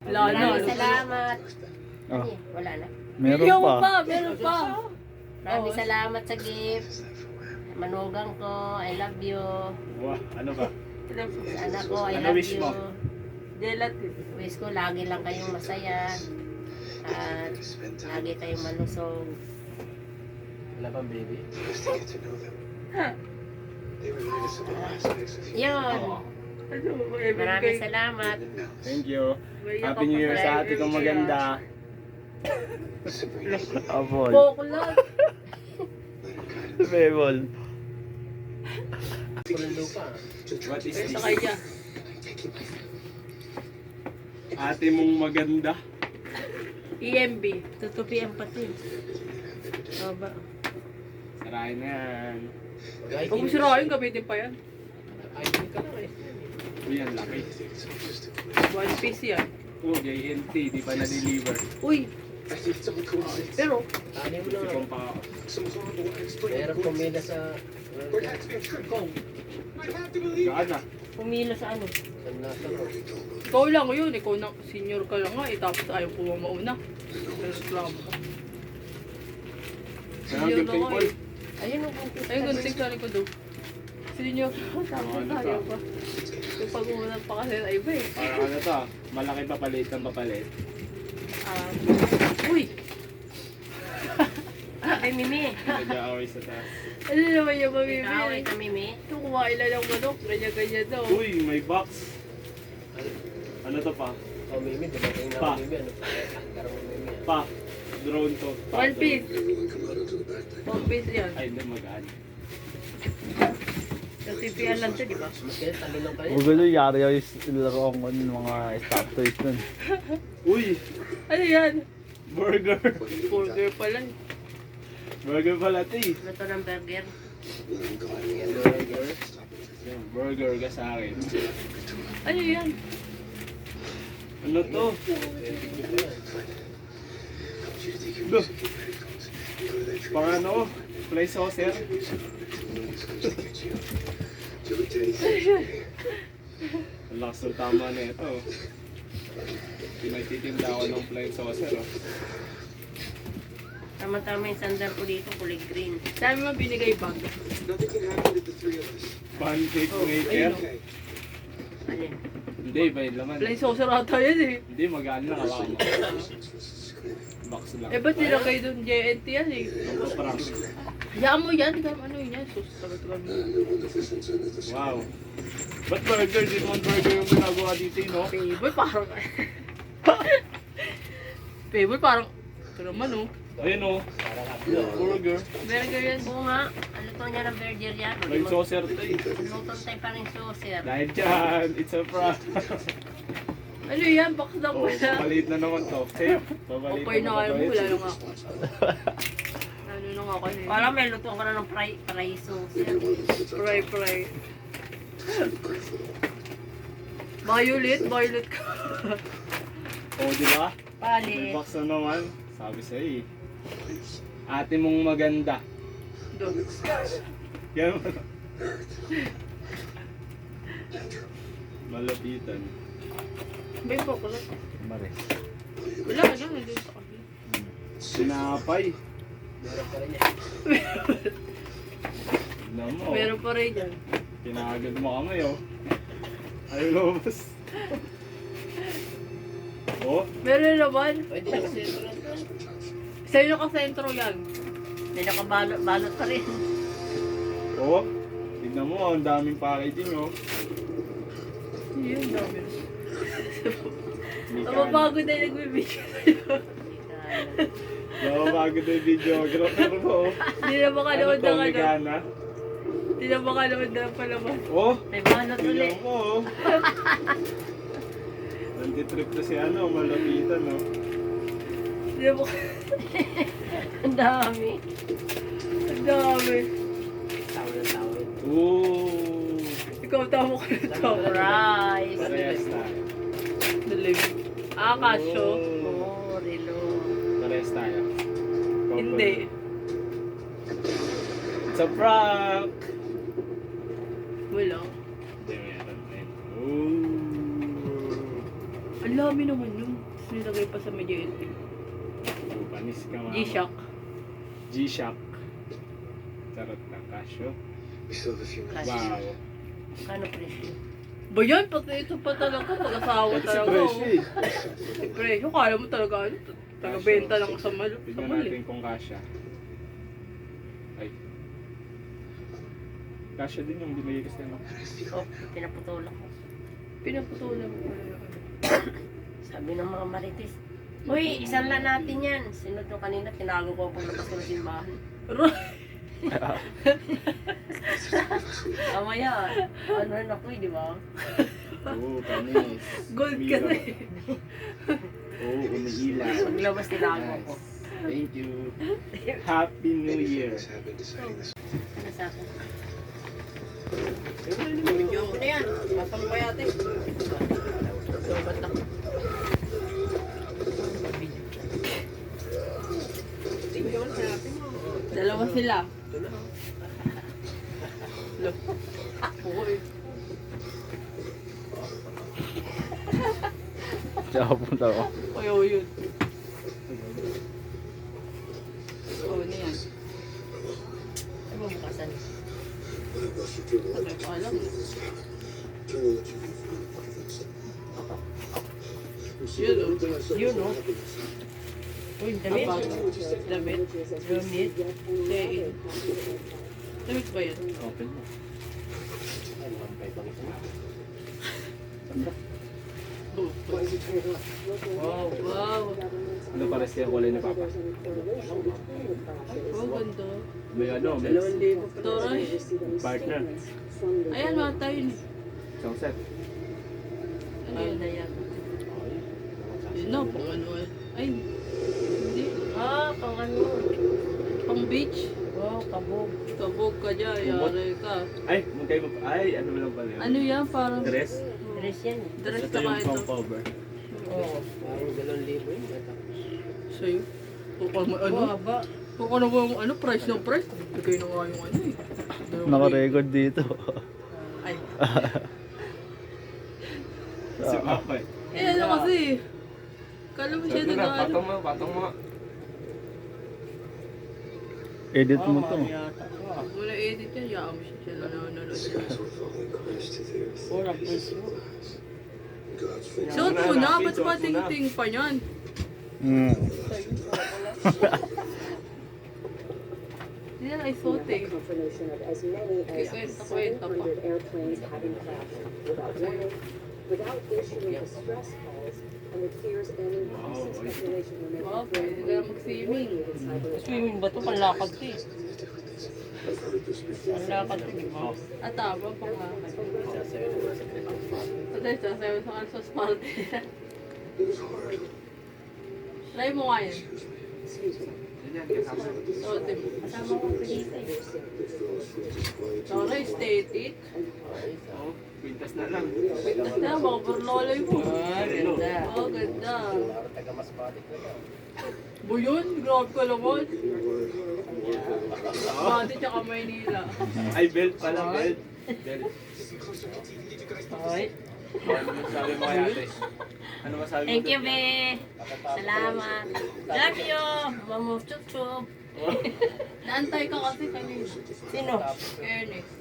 Maraming salamat. Oh, Wala na. meron pa. Meron pa. Maraming salamat sa gift. Manugang ko, I love you. Wah, ano ba? Sa anak ko, I Ano love wish you. mo? Gelatin. Wish ko lagi lang kayong masaya. At lagi kayong malusog. Wala pang baby. Yun. Ano, Maraming salamat. Thank you. Happy New Year sa ate kong maganda. Abol. Boklat. Bebol. Kulang lupa. What is Sa this? kanya. Ate mong maganda. EMB. Tutupian pati. Aba. Sarayin na yan. Kung gusto rin, gamitin pa yan. ID ka lang eh. Uy, ang laki. One piece yan. Oh, JNT, di pa na-deliver. Uy. Pero, Tani mo lang. Sikong pa ako. Meron pumila sa... Gaan na. Pumilo sa ano? Sa nasa ko. ikaw lang yun. Ikaw na, senior ka lang nga eh. Tapos ayaw po mauna. Reklamo ka. Saan ang gifting call? Ayun o. Ayun, gunting sa likod daw. Senior. Tapos Ano ayaw to? pa. Yung pag-uunang pa kasi na iba eh. Parang ano to? Malaki papalit ng papalit. Uy! Ay, Mimi. Nag-aaway sa taas. Ano naman yung Away mamimili? ka, Mimi. Ito kumain lang ng manok. Ganyan-ganyan daw. Uy, may box. Ano to pa? Oh, Mimi. Dumating na Pa. ako, Mimi. Ano pa? Karang mo, Mimi. Pa. Drone to. Pa, One drone. piece. One piece yan. Ay, hindi magaan. Sa TPL lang ito, di ba? Mas kaya talo lang kayo. Huwag gulo, yari yung laro ko ng mga stop toys nun. Uy, Ano yan? burger. Burger pala. Burger pala ito eh. Luto ng burger. Burger. Yung burger ka sa akin. Ano yan? Ano to? Look. Pang ano? Fly saucer? Ang lakas ng tama na ito. Pinagtitinda ako ng fly saucer. Oh. Tama-tama yung sandal ko dito, kulay green. Sabi mo binigay bag. Pancake maker? Alin? Hindi, ba yung laman? Fly saucer ata yan eh. Hindi, magaan lang. Hawakan mo. Box lang. Eh ba't nilagay doon JNT yan eh? Parang, Hayaan mo yan. Tignan mo ano yun yan. Sus, tagal-tagal mo. wow. Ba't burger? Di naman burger yung ginagawa dito, eh, no? Payboy parang... Payboy parang... Ito naman oh. Ayun, oh. Burger. Burger yan. Oo nga, ang luto niya ng burger yan. Fly saucer to eh. Luto tayo pa rin saucer. Dahil dyan, it's a prank. Ano yan? Box na Oh, pala. papalit na naman to. Safe. Papalit Okay na kayo mo. to. Wala lang ako. Ano na nga kasi. Parang may luto ko na ng fry saucer. Fry. Violet ka. Oh, di ba? May Palit. box na naman. Sabi sa'yo eh. Ate mong maganda. Doon. Yan mo. Malapitan. May box lang. Maris. Wala ka lang. Nandun sa kanya. Sinapay. Meron pa rin yan. Tignan mo. Meron pa rin yan. Pinagad mo kamay oh. Ayaw lumabas. Oh, Meron naman. Pwede na kasi ito lang. Sa'yo nakasentro yan. May nakabalot pa rin. oh. Tignan mo, ang daming packaging oh. Yun, dami. Hindi ka- Napapagod na yung nagbibigay sa'yo. Napapagod na yung videographer mo oh. Hindi na makanood ng ano. Mekana? Hindi na makanood ng palaman. Oh, May balot ulit. tignan mo oh. Nanditrip na si ano, malapitan oh. Hindi na Ang dami. Ang dami. Tawin ng tawin. Ooh. Ikaw tamo ka na to. Rice. Parehas tayo. Dalig. Kasyo. Oo, relo. Parehas tayo. Hindi. It's a prank! Wala. Hindi, meron. Ooh. Ang lami naman yun. Tapos nilagay pa sa medyo LP. Oh, panis ka mama. G-Shock. G-Shock. Charot na, Casio. Kasi, Wow. kano presyo? Ba yan? Pati ito pa talaga. Pag-asawa Ito si talaga. Presyo eh. Si Presyo. Kala mo talaga ano? Taga-benta lang sa mal. Sa Tignan mal natin eh. kung kasya. Ay. Kasya din yung binigay kasi ano. Oh, pinaputulak ko. Pinaputulan mo pala yun. Sabi ng mga marites, uy, isan lang natin yan. Sinod nung kanina, tinago ko paglabas ko ng simbahan. Amaya, ano rin ako di ba? Oo, panis. Gold ka na eh. Oo, umiilaw. Paglabas tinago ko. Thank you. Happy New Year. Ano sa akin? Video ko na yan. Pasang pa yate. So, ba't na? Dalawa sila. Look. Oo eh. Tsaka punta ko. Ayaw yun. Oo, ano yan? Ano mo bukasan? Sabay pa alam. Yun o. Yun no? Uy, damit? Damit. Damit? Sein. Damit ba yan? Open mo. Wow. Wow. Ano pares kaya kulay ni Papa? Oh, ganda. May ano, may Toray. partner. Ayan, mga tayo ni. Isang set. Ano Ano yan? na yan? Yun na, pang ano eh. Ay, hindi. Ah, pang ano? Pang beach. Wow, kabog. Kabog ka dyan, yari ka. Ay, magkay mo pa. Ay, ano lang pala yun? Ano yan, parang Dress? Dress yan. dress Ito ka yung ka ito. pang cover. Oo. Parang 2,000 yun. Sa'yo. Kung ano, ano? Haba. Kung ano ba yung ano, price ng price. Bigay na nga yung ano eh. Naka-record dito. Ay. Si Papa eh. Eh, ano kasi. Kala mo siya Ito na, nag-ano. patong mo. Edit mo to. Wala edit yan, yaan mo siya nanonood. Wala presyo. Suot mo na, ba't Suot mo pa na. ting-ting pa yan? Mm. Hindi na isuot eh. Confirmation of as many as Kwenta pa. 700 airplanes having crashed without warning, without issuing distress calls, and with fears ending increasing speculation remains. Wow, pwede ka na mag-swimming. Swimming ba ito? Panlakad ito eh. Panlakad ito, di ba? At tama, panglakad. Patay, sasayaw sa kansos party. Try mo nga yun. Suotin mo. Kasama ko pinita eh. Tara, aesthetic. Oh, pintas na lang. Pitas na, mga burlolay mo. Ah, ganda. Oh, ganda. Parang taga-masbate ko yan. Buyon, grabe ka naman. Bati tsaka Maynila. Ay, belt pala, belt. Belt. Ay. Ano masabi mo kay ate? Ano masabi mo? Thank you, doon? be. Salamat. Love you. Mamu chup chup. Naantay ka kasi kanina. Sino? Ernest.